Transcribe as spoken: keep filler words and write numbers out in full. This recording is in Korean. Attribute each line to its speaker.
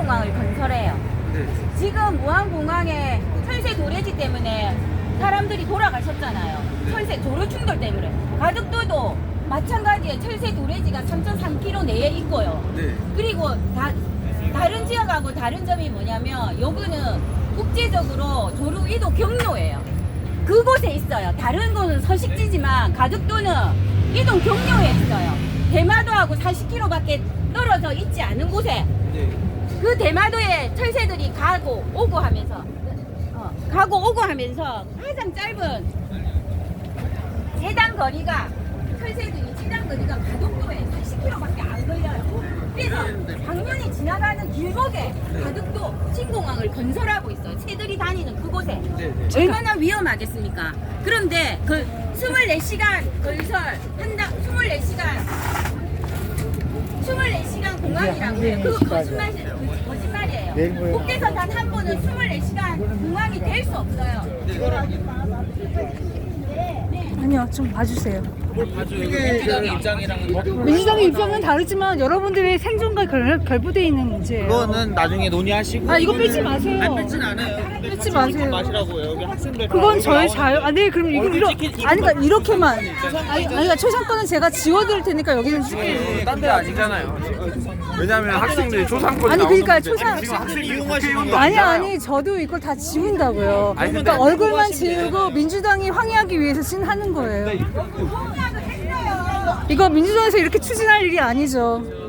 Speaker 1: 신공항을 건설해요.
Speaker 2: 네.
Speaker 1: 지금 무안공항에 철새 도래지 때문에 사람들이 돌아가셨잖아요.
Speaker 2: 네.
Speaker 1: 철새 도로 충돌 때문에. 가덕도도 마찬가지에 철새 도래지가 삼 점 삼 킬로미터 내에 있고요.
Speaker 2: 네.
Speaker 1: 그리고 다, 다른 지역하고 다른 점이 뭐냐면 여기는 국제적으로 조류 이동 경로예요. 그곳에 있어요. 다른 곳은 서식지지만 가덕도는 이동 경로에 있어요. 대마도하고 사십 킬로미터밖에 떨어져 있지 않은 곳에
Speaker 2: 네.
Speaker 1: 그 대마도에 철새들이 가고 오고 하면서 어, 가고 오고 하면서 가장 짧은 최단 거리가 철새들이 최단 거리가 가덕도에 사십 킬로미터밖에 안 걸려요. 그래서 당연히 지나가는 길목에 가덕도 신공항을 건설하고 있어요. 새들이 다니는 그곳에.
Speaker 2: 네. 네.
Speaker 1: 얼마나 위험하겠습니까? 그런데 그 이십사 시간 건설 한다 이십사 시간 이십사 시간 공항이라고요. 그거 거짓말 거짓말이에요. 국내선 단 한 번은 이십사 시간 공항이 될 수 없어요.
Speaker 3: 아니요, 좀 봐주세요.
Speaker 2: 뭘 봐줘요. 민주당의 입장이랑은 더
Speaker 3: 민주당의 입장은 다르지만 여러분들의 생존과 결, 결부되어 있는 문제예요.
Speaker 2: 그거는 나중에 논의하시고.
Speaker 3: 아, 이거 빼지 마세요.
Speaker 2: 안 뺏진 않아요.
Speaker 3: 뺏지 마세요.
Speaker 2: 마시라고요. 여기 학생들.
Speaker 3: 그건 저의 자유. 아, 네, 그럼 이거 이러, 아니, 그러니까 이렇게만. 아니, 아니, 그러니까 초상권은 제가 지워드릴 테니까 여기는 쓸게요.
Speaker 4: 딴데 아니잖아요. 왜냐면 학생들이 초상권이
Speaker 3: 아니, 그러니까
Speaker 4: 나오는
Speaker 3: 초상.
Speaker 4: 문제지. 지금 학생
Speaker 2: 이용하시는 거
Speaker 3: 아니, 아니, 저도 이걸 다 지운다고요.
Speaker 4: 아니, 근데
Speaker 3: 그러니까 얼굴만 지우고 민주당이 항의하기 위해서 진 하는 거예요. 이거 민주당에서 이렇게 추진할 일이 아니죠.